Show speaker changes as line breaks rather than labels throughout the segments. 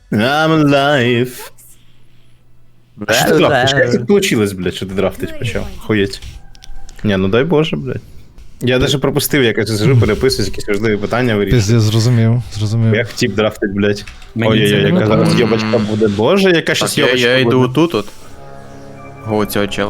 I'm alive. Що ти драфтиш? Як це получилось, блядь, що ти драфтить почав? Хуєть. Ні, ну дай Боже, блядь. Я даже пропустив, як я сижу, переписуюсь, якісь важливі питання вирішую.
Пиздец, зрозумів.
Як тип драфтить, блядь.
Мені
Ой-ой-ой,
це
яка
не
зараз
подобається.
йобачка буде. Боже, яка щас
Я
йобачка
йду
буде.
тут от. Го цього чела.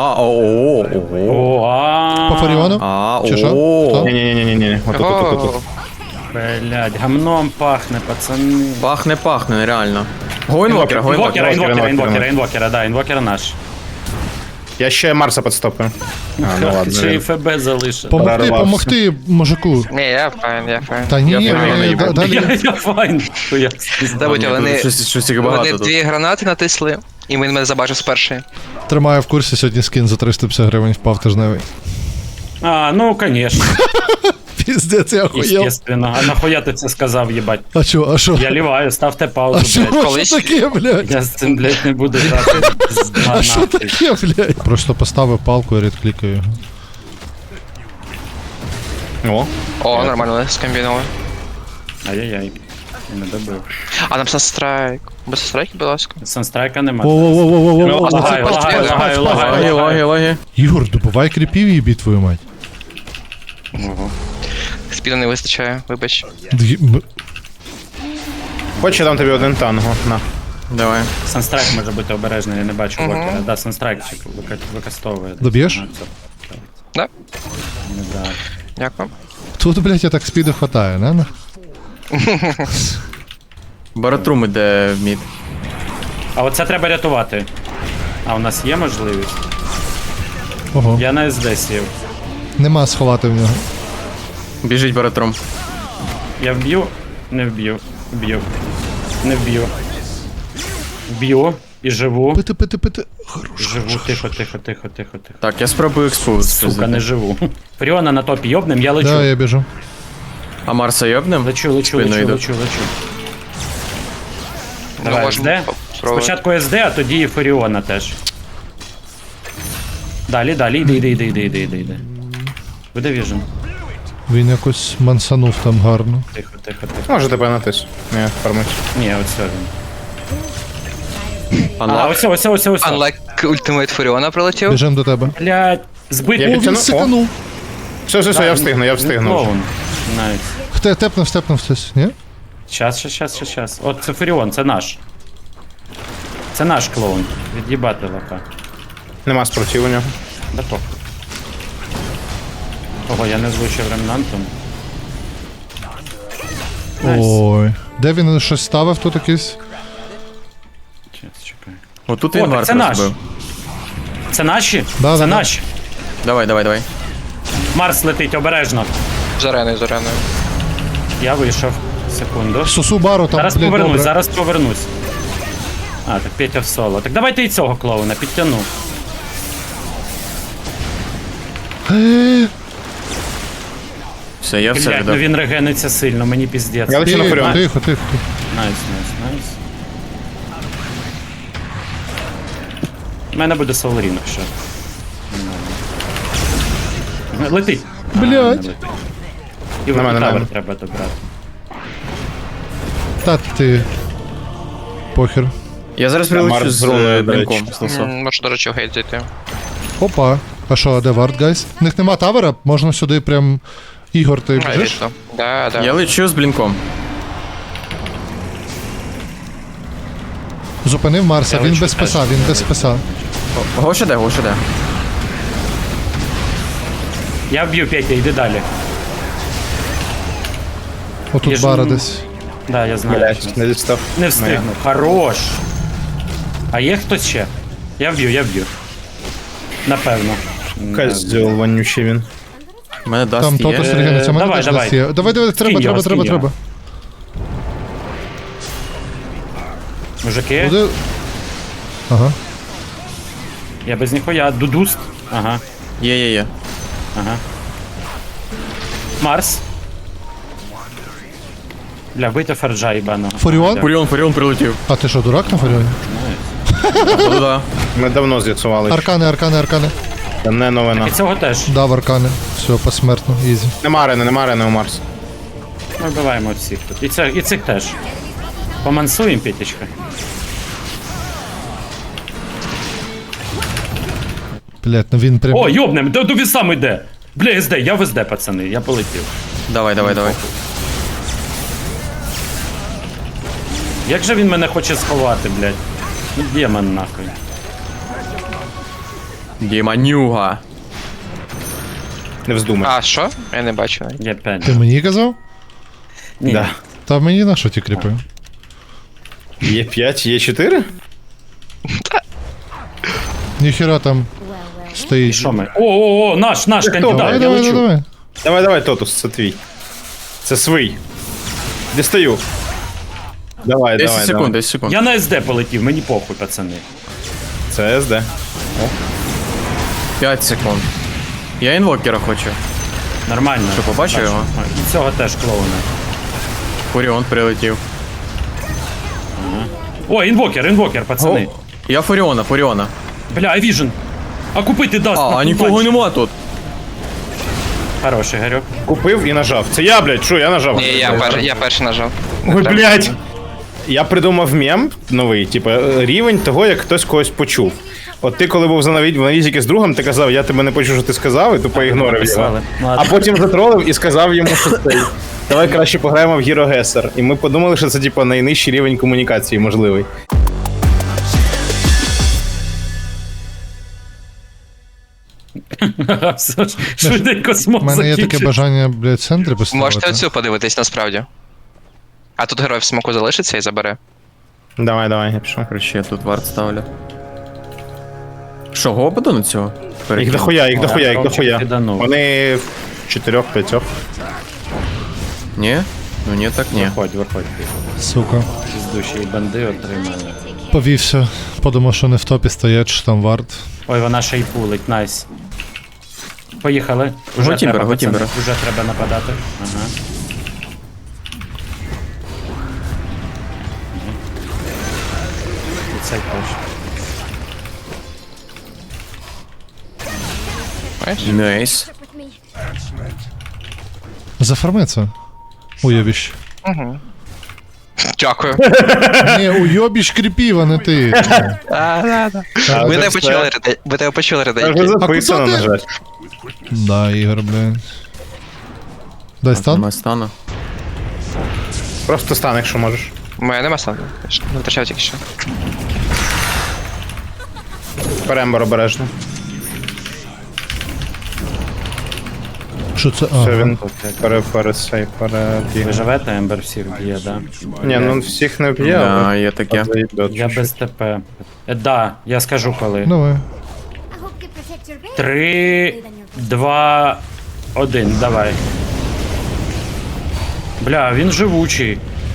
По Фаріону? Чи що? Хто?
Ні-ні-ні-ні-ні. Отут.
Блядь, гамном пахне, пацани.
Пахне, нереально. Го інвокера,
Інвокера, да, інвокера наш.
Я ще Марса підстопив. А, ну ладно.
Ще і ФБ залишив.
Помогти мужику.
Ні, я файн.
Та ні,
Я файн,
далі.
Я файн. Хуя.
Забудь, вони
Щось їх багато тут.
дві гранати натисли, і він мене забачив з першої.
Тримаю в курсі, сьогодні скін за 350 гривень впав тижневий.
А, ну, конечно.
Піздець, я охуєв.
Естественно. А нахуя ти це сказав, їбать?
А що?
Я ліваю, ставте
А
паузу,
що
блядь.
таке, блядь?
Я з цим, блядь, не буду грати.
А що таке, блядь? Просто поставив палку і редклікаю його.
О,
О, нормально, скомбінували.
Ай-яй-яй. Я не добив.
А нам Санстрайк. Без Санстрайки, будь ласка.
Санстрайка нема.
Воу-воу-воу-воу-воу.
Лаги.
Ігор, добувай кріпів і їбі твою мать.
Спіду не вистачає, вибач.
хоч я дам тобі один танго. На.
Давай.
Санстрайк може бути обережний, я не бачу блокера. Да, санстрайкчик використовує.
Доб'єш?
Да?
Ну, да.
Дякую.
Тут, блядь, я так спіду хватає, не?
Баратрум іде в мід.
А оце треба рятувати. А у нас є можливість?
Ого.
Я на СД сів.
Нема сховати в нього.
Біжить баратрум.
Я вб'ю? Не вб'ю. Вб'ю. Не вб'ю. Вб'ю і живу.
Пити. Хорош.
Живу, тихо.
Так, я спробую експоз.
Сука, не живу. Фріона на топі йобнем, я лечу.
Да, я біжу.
А Марса йобнем?
Лечу.
Спиною йду.
Давай,
можемо
СД.
спробувати.
Спочатку СД, а тоді і Фуріона теж. Далі, йди. Буде віжен.
Він якось мансанув там гарно.
Тихо.
Може тебе натис. Ні, фармить.
Ні, оце він. А,
Анлак.
ось.
Unlike ультимейт Фуріона прилетів.
Біжим до тебе.
Блядь, збитий.
Я
О, він
підтягну.
сиканув.
Все, я встигну.
Клоун. Найс.
Тепнув хтось, ні?
Щас. От це Фуріон, це наш. Це наш клоун. Від'їбати лака.
Нема спротив у нього.
Да похуй. Ого, я не звучив ремнантом. Найс.
Ой. Де він щось ставив тут якийсь?
Чекай.
Отут
О,
він
так
Марс
це наш.
розбив.
Це наші?
Да,
Це
да.
наші.
Давай.
Марс летить обережно.
З ареною.
Я вийшов. Секунду.
Сосу бару там,
Зараз
блядь,
повернусь,
добре.
зараз повернусь. А, так Петя в соло. Так давайте і цього клоуна підтягну.
Все, я все
Блять, ну
віддав.
він регениться сильно, мені піздець.
Я лечу на Фуріон.
Тихо.
Найс. У мене буде Соларін, якщо. Нормально. Летить.
Блядь.
А, не летить. І
На мене,
тавер
на мене.
треба добрати.
Та ти. Похер.
Я зараз
Марс
прилечу з
зроною, до
блінком.
речі.
Снесу.
Можу, до речі, в гейт зайти.
Опа. А що, де вард, гайс? В них нема тавера, можна сюди прям... Ігор, ти біжиш?
Вийшло. Да.
Я лечу з блінком.
Зупинив Марса,
Я
він
лечу
без
теж.
списа, він без списа.
Го ще де.
Я вб'ю Петя, йди далі.
Отут
Біжу.
бара десь.
Да, я знаю.
Блять, не дістав.
Не встигну. Хорош. А є хтось ще? Я вб'ю. Напевно.
Козьол вонючий він.
У мене
Там
даст
тото
є.
стригенеться, мене
давай,
теж
давай.
десь є. Давай,
Скинь його.
треба.
Мужики,
Буде... Ага.
я без ніхуя. Дудуст. Ага.
Є.
Марс. Бля, вбийте Ферджа, їбаного.
Фуріон?
Фуріон прилетів.
А ти що, дурак на Фуріоні?
Да.
Ми давно з'ясували.
Аркани.
Це не новина.
І цього теж.
Дав аркани. Все, посмертно, ізі.
Нема арени у Марс.
Ми вбиваємо всіх тут. І цих теж. Помансуємо, Петечка.
Блядь, ну він прям...
О, йобнем, до вісам йде. Бля, СД, я в СД, пацани, я полетів.
Давай.
Як же він мене хоче сховати, блядь? Ну, демон нахуй.
Діманюга.
Не вздумай.
А, що? Я не бачу. навіть.
Я п'ять.
Ти мені казав?
Ні.
Да.
Та мені на що ті кріпи?
Є 5, є 4?
Ніхера там
І
стоїть.
що ми? О, наш кандидат,
Давай,
я
давай,
лечу.
давай.
Давай, Тотус, це твій. Це свій. Дістаю. Давай,
10 секунд, 10 секунд.
Я на СД полетів, мені похуй, пацани.
Це СД.
5 секунд. Я інвокера хочу.
Нормально.
Що, побачив
Бачу.
його?
І цього теж клоуна.
Фуріон прилетів.
О, інвокер, пацани.
О, я Фуріона.
Бля, Віжен. А купити дасть.
А
нахуй,
нікого
бачиш.
нема тут.
Хороший, Гарюк.
Купив і нажав. Це я, блядь, що я нажав?
Ні, я перший нажав.
Ой, блядь. Я придумав мем новий, типу, рівень того, як хтось когось почув. От ти, коли був в навізіки з другом, ти казав, я тебе не почув, що ти сказав, і тупо ігнорив його.
Написали. Ладно.
А потім затролив і сказав йому, що цей. Давай краще пограємо в Hero Guesser. І ми подумали, що це типу найнижчий рівень комунікації можливий.
Все ж, швиденько
У
смог
мене є таке
закінчити.
бажання, блядь, в центрі поставити.
Можете оцю подивитись насправді. А тут герой в смоку залишиться і забере.
Давай, я пішов.
Короче, я тут варт ставлю. Що, гопаду на цього?
Їх дохуя.
Ромчик киданув.
Вони в 4-5.
Ні? Ну ні, так ні.
Виходь.
Сука.
Піздущі банди отримали.
Повівся. Подумав, що не в топі стоять, що там варт.
Ой, вона ще й пулить, найс. Поїхали.
Го Тімбера, го
пацани,
Тімбера.
Уже треба нападати. Ага. І цей теж.
Найс.
Зафарми це. Уйобіщ.
Дякую.
Ні, уйобіщ кріпів, а не ти.
Ви тебе почули,
Це вже
реденьки.
записано,
куди
на
ти?
жаль.
Да, Ігор, блядь. Дай стан?
Нема стану.
Просто стан, якщо можеш.
У мене нема стану. Не втрачав тільки що.
Перембор обережно.
Що це?
Все, він
Ви
перебіг.
живете, Ембер всіх б'є, да?
Ні, ну всіх не б'є,
Да,
але...
є таке.
Я без ТП. Да, я скажу коли.
Давай.
3, 2, 1, давай. Бля, він живучий.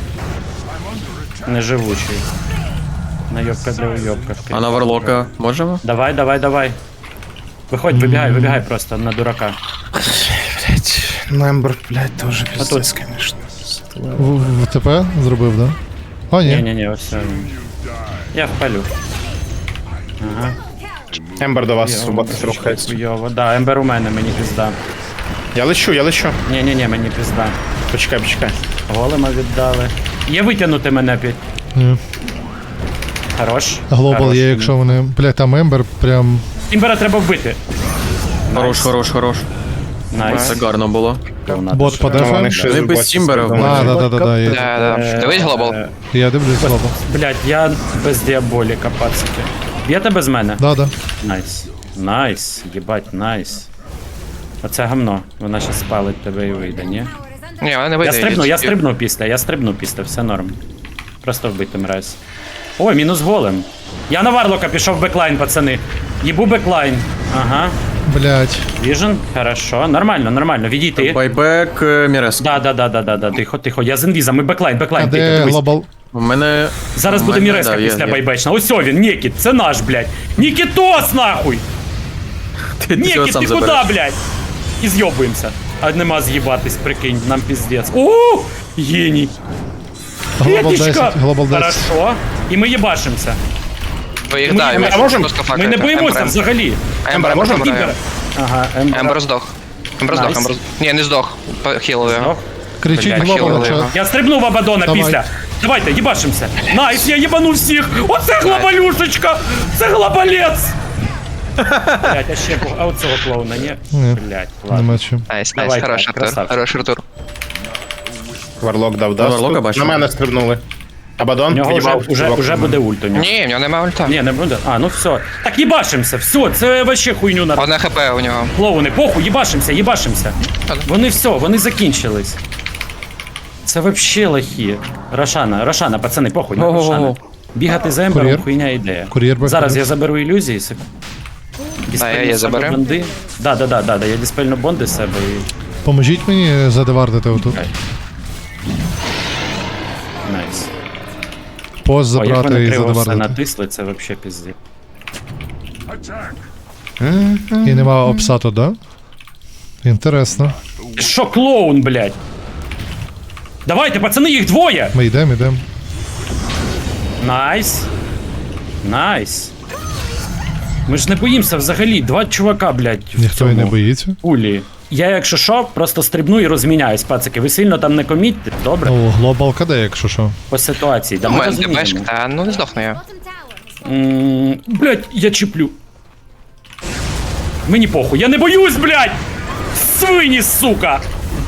Не живучий. Найобка для уйобка.
А на варлока можемо?
Давай. Виходь, вибігай просто на дурака.
Блять, Мембр, блять, теж пиздец, конечно.
В ТП зробив, да? А, ні.
Ні, ось все. Я впалю. Ага.
Ембер до вас рухається.
Хуйово. Да, Ембер у мене, мені пізда.
Я лечу.
Ні, мені пізда.
Почекай.
Голема віддали. Є витягнути мене під.
Ні.
Хорош.
Глобал
Хорош.
є, якщо вони. Блядь, там Ембер прям.
Імбера треба вбити.
Хорош.
Найс.
Це гарно було.
Бот по
Ну, вони
дефу.
ще
Вони без
зубасті
Тімбера
думають.
Да, є.
Да. Дивись глобал.
Я дивлюсь глобал.
Блять, я без діаболіка, пацики. Б'єте без мене?
Да.
Найс, їбать, найс. Оце гамно. Вона ще спалить тебе і вийде, ні?
Ні, вона не вийде.
Я стрибну після, все норм. Просто вбитим раз. Ой, мінус голем. Я на Варлока пішов в беклайн, пацани. Їбу беклайн. Ага.
Блядь.
Віжен, хорошо. Нормально, відійти.
Байбек Мірес.
Да. Тихо. Я з інвізом, ми беклайн,
А
тихо,
де
дивись.
глобал?
У мене...
Зараз
у
буде
мене,
Міреска
да, є,
після
є.
байбечна. Ось він, Нікіт, це наш, блядь. Нікітос, нахуй!
Ти цього
Нікіт,
сам
ти куди,
забереш.
блядь? І з'йобуємося. А нема з'їбатись, прикинь, нам піздець. О, геній.
Глобал
Петечка!
10, глобал 10.
Хорошо. І ми їбашимося.
Ви їх
Ми-
дай,
ми-
ви
можем?
просто
Ми
факаєте.
не боїмося
Ембер.
взагалі.
Ембер,
можем?
можемо?
Ага,
Ембер здох.
Найс.
Ні, не здох. Хілили його.
Здох.
Кричіть
Блядь,
глобал,
хілили
якщо.
його.
Я стрибнув в Абадона
Давай.
після. Давайте, їбашимся. Найс, я їбану всіх. Оце глобалюшечка. Це глобалець. Блять, а ще а от цього клоуна, ні?
Ні.
Блять, ладно.
Нема чим.
Найс,
Давай,
найс, хороший
так,
Артур.
красавчик.
Хороший Артур.
Варлок дав
Варлока
дасту.
бачу.
На мене стрибнули. Абадон,
У нього
в'їбав чувак.
вже буде ульт у нього.
Ні, в нього немає ульта.
Ні, не буде. А, ну все. Так їбашимся, все, це вообще хуйню на
Одне хп у нього.
клоуни. Похуй, їбашимся, їбашимся. Вони все, вони закінчились. Це вообще лохи. Рошана, пацани, похуй, на
Ого-го-го.
Рошана. Бігати за ембером
Кур'єр.
хуйня ідея.
Кур'єр бек
Зараз
плюс.
я заберу ілюзії.
я заберу.
Бонди. Да, я диспельну бонди з себе і...
Поможіть мені задевардити отут.
Найс.
Пост
О, як
забрати
вони
і
криво все
задевардити.
натисли, це вообще пізді.
І нема обсату, да? Інтересно.
Що клоун, блядь? Давайте, пацани, їх двоє!
Ми йдемо.
Найс. Найс. Ми ж не боїмося взагалі. Два чувака, блядь, в
Ніхто і не
цьому
боїться.
пулі. Я, якщо що, просто стрибну і розміняюсь, пацики. Ви сильно там не комітьте, добре?
Ну, глобал КД, якщо що.
По ситуації. Да,
У
ми
мене ДПшка,
розуміємо.
та ну не здохну я.
Блядь, я чіплю. Мені похуй, я не боюсь, блядь! Свині, сука!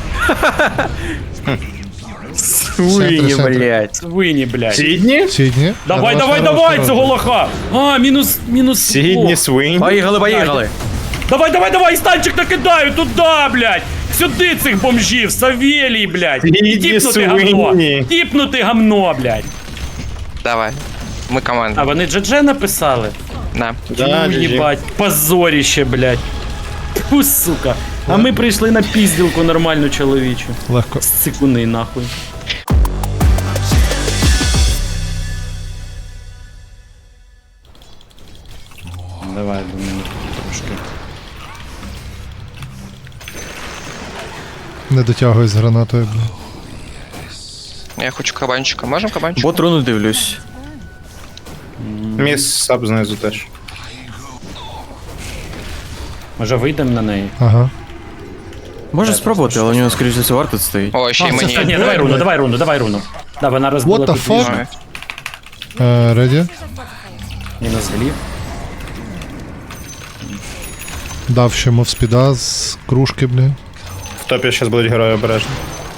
Свині, блядь.
Свині, блядь.
Сідні?
Сідні.
Давай,
На
давай,
вас
давай,
хорошо
цього
робить.
лоха! А, мінус.
Сідні,
О.
свинь.
Поїхали.
Давай, станчик накидаю туда, блядь! Сюди цих бомжів, Савелій, блядь!
Сидіть,
Тіпнути гамно!
свині.
Тіпнути гамно, блядь!
Давай. Ми
А
команда.
вони GG написали?
На.
Да,
Ну,
GG.
їбать, позоріще, блядь. Фу, сука. А ми прийшли на пізділку нормальну чоловічу.
Легко.
Цикуни, нахуй. Давай, думаю, трошки.
Не дотягуй з гранатою, бля.
Я хочу кабанчика. Можемо кабанчика?
Бот руну дивлюсь.
Міс саб знизу теж.
Може вийдемо на неї?
Ага.
Може спробувати, але у нього, скоріш за все, варто стоїть.
О, ще й
Ні,
мені.
давай руну. Да, вона розбила
What the
тут
fuck?
віжу.
Реді?
Мінус глів.
Дав ще мовспіда з кружки, бля.
В топі зараз будуть герої обережні.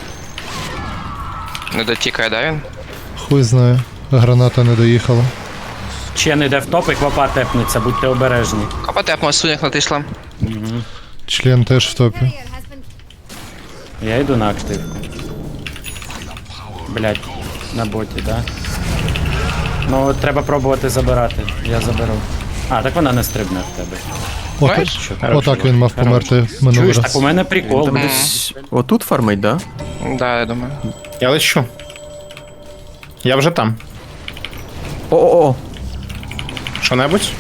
Не дотікає, да він?
Хуй знає. Граната не доїхала.
Чен іде в топ і квапа тепнеться, будьте обережні.
Копа тепмо, суняк натисла.
Член теж в топі.
Я йду на активку. Блять, на боті, да? Ну, треба пробувати забирати. Я заберу. А, так вона не стрибне в тебе.
Знаєш?
Отак він мав померти минулий
Чуєш, так
раз.
у мене прикол.
Там десь отут фармить, да?
Да, я думаю.
Я лечу. Я вже там.
О-о-о!
Що-небудь?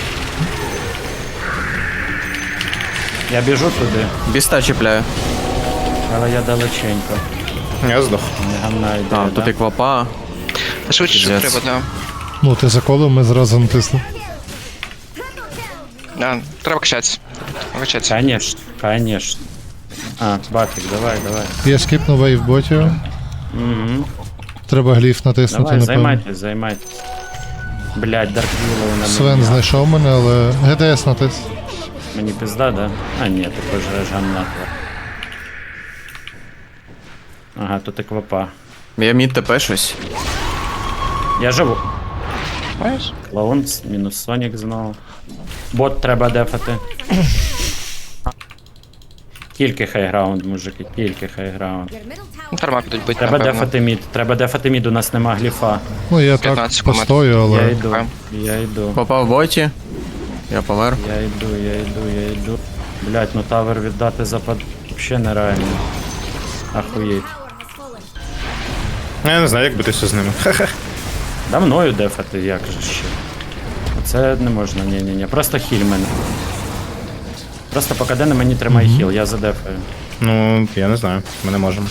Я біжу туди,
Біста чіпляю.
але я далеченько.
Я здох.
Не гамна йде,
А, тут і квапа.
Та швидше, що
Пиздец.
треба, да.
Ну, ти заколив, ми зразу натисли.
Да, треба качатися. Качатися.
Конечно. А, Батик, давай.
Я скіпнув вейв ботів.
Угу.
Треба гліф натиснути,
Давай,
напевно.
займайтесь. Блять, Дарквілоу на
Свен
мені.
знайшов мене, але ГДС натис.
Мені пизда, да? А, ні, ти пожреш гамна. Ага, тут і квапа.
Я мід ТП щось.
Я живу.
Знаєш?
Клоун, мінус Сонік знову. Бот треба дефати. Тільки хайграунд, мужики, тільки хайграунд.
Ну, Тарма підуть бити,
Треба
напевно.
дефати мід, у нас нема гліфа.
Ну, я
15
так
секунд.
постою,
Я
але...
йду, я йду,
Квапа в боті. Я помер.
я йду. Блять, ну тавер віддати запад вообще нереально. Ахуєть.
Я не знаю, як битися з ними.
Да мною дефати, як же ще. Це не можна, ні. Просто хіль мене. Просто поки де на мені тримай хіл, я задефаю.
Ну, я не знаю. Ми не можемо.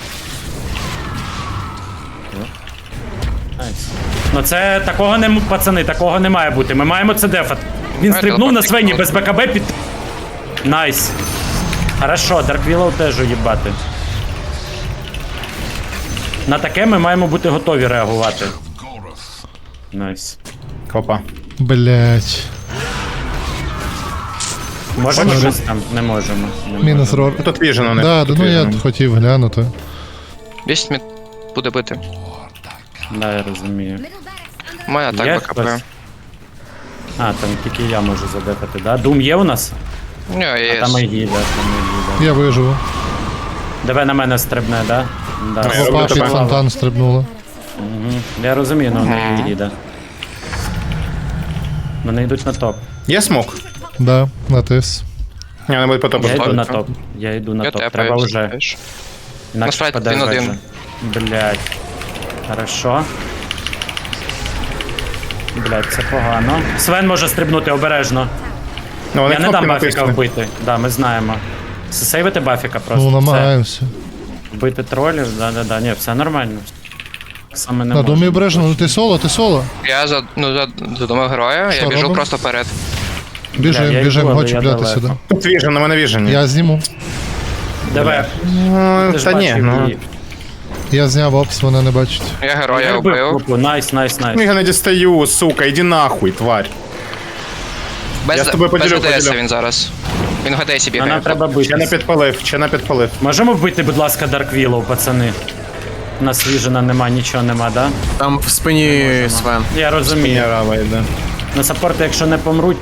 Найс. Ну це такого не пацани, такого не має бути. Ми маємо це дефати. Він
Давай,
стрибнув на
телепортик.
Свені без БКБ під. Найс. Хорошо, Дарквілоу теж уїбати. На таке ми маємо бути готові реагувати. Найс.
Хопа.
Блять.
Можемо
Може.
щось там? Не можемо. Не
Мінус
можемо.
рор.
Ну, тут віжен у них.
Да,
тут
ну я
віжен.
хотів глянути.
Бість мід буде бити.
Да, я розумію.
У мене
Є
так БКП.
хтось? А, там тільки я можу задефати, да? Дум є у нас?
Ні, є.
Там і гіда, там і гіда.
Я виживу.
Давай на мене стрибне, да? Да.
Ну, я
Опа,
роблю
під
тебе.
фонтан стрибнула.
Мгм. Я розумію, ну не гіда. Вони йдуть на топ.
Є смок?
Да, натис.
Ні, не буде по топу.
Я йду на
ставити.
топ. Я йду на
Я
топ.
тепаю.
Треба вже.
знаєш.
Інакше
Насправді,
впаде
один-один.
вежа. Блять. Хорошо. Блять, це погано. Свен може стрибнути обережно.
Ну, вони
Я не дам
кнопки
Бафіка
натиснули.
вбити. Да, ми знаємо. Сейвити Бафіка просто.
Ну,
Все.
намагаємося.
Вбити тролів, да. Ні, все нормально. Саме не
На домі
можемо.
обережно, ну ти соло.
Я задумав героя,
Що
я біжу
робимо?
просто вперед.
Біжим,
я
біжим,
йду, але
го
я
чіпляти
далеко.
сюди.
Тут віжен, на мене віжен.
Я зніму.
Давай.
Ну,
Ти ж
та ні,
бачив
ну.
її.
Я зняв опс, вона не бачить.
Я героя
Я вбив
вбив.
групу. Найс.
Ну, я не дістаю, сука, іди нахуй, тварь. Я
Без
з тобою поділю,
ГДС
поділю.
він зараз. Він в ГДСі
А
бігає.
нам треба
Ще не
бити.
підпалив, ще не підпалив.
Можемо вбити, будь ласка, Дарк Віллоу, пацани? У нас віжена нема, нічого нема, да?
Там в спині Свен.
Я розумію.
Мінерава йде.
На саппорти, якщо не помруть.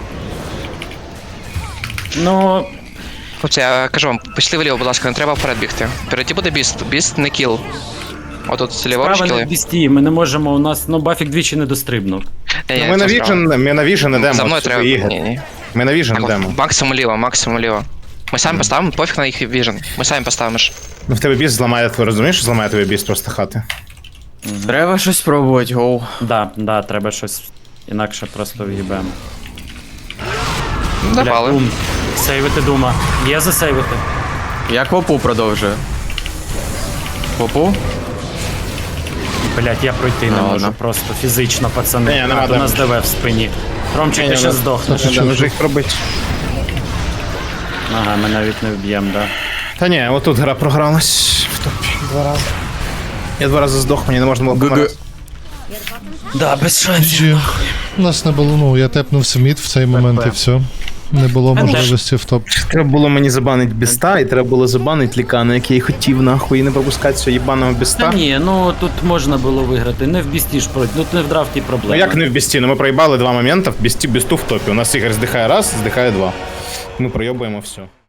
Ну,
Хлопці, я кажу вам, пішли вліво, будь ласка, не треба вперед бігти. Впереді буде біст. Біст не кіл. Отут ліворуч
справа не
кіли.
в бісті, ми не можемо, у нас, ну, Бафік двічі не дострибнув.
Ні,
Ми на
це справа.
віжен, ми на віжен ідемо.
За мною
от
треба.
сюди, Ігор.
Ні.
Ми на віжен
Так,
йдемо.
максимум ліво, максимум ліво. Ми самі поставимо, пофіг на їх віжен. Ми самі поставимо ж.
Ну, в тебе біст зламає, ти розумієш, що зламає тобі біст просто хати?
Треба щось спробувати, гоу.
Да, треба щось інакше просто в'їбемо.
Давали.
Дум. Сейвити Дума. Є засейвити?
Я квопу продовжую. Квопу?
Блять, я пройти не
Ну,
можу,
ладно.
просто фізично, пацани.
Ні, нема
А, то у нас
демеджу.
ДВ в спині. Ромчик,
Ні,
ти
ні,
ще
ну,
здохнеш.
Та ти
Не може їх пробити.
Ага, ми навіть не вб'ємо, да.
Та ні, отут гра програлась в топі 2 рази. Я 2 рази здох, мені не можна було
ГГ.
помирати.
Да, без шансів.
GG. У нас не було, ну я тепнувся мід в цей момент і все. Не було можливості в топ.
Треба було мені забанити біста, і треба було забанити лікана, який я хотів нахуй, і не пропускати цього їбаного
Та
біста.
ні, ну тут можна було виграти. Не в бісті ж пройти, ну не в драфті
Ну
проблема.
як не в бісті? Ну ми проїбали 2 моменти, в бісту в топі. У нас Ігор здихає раз, здихає 2. Ми пройобуємо все.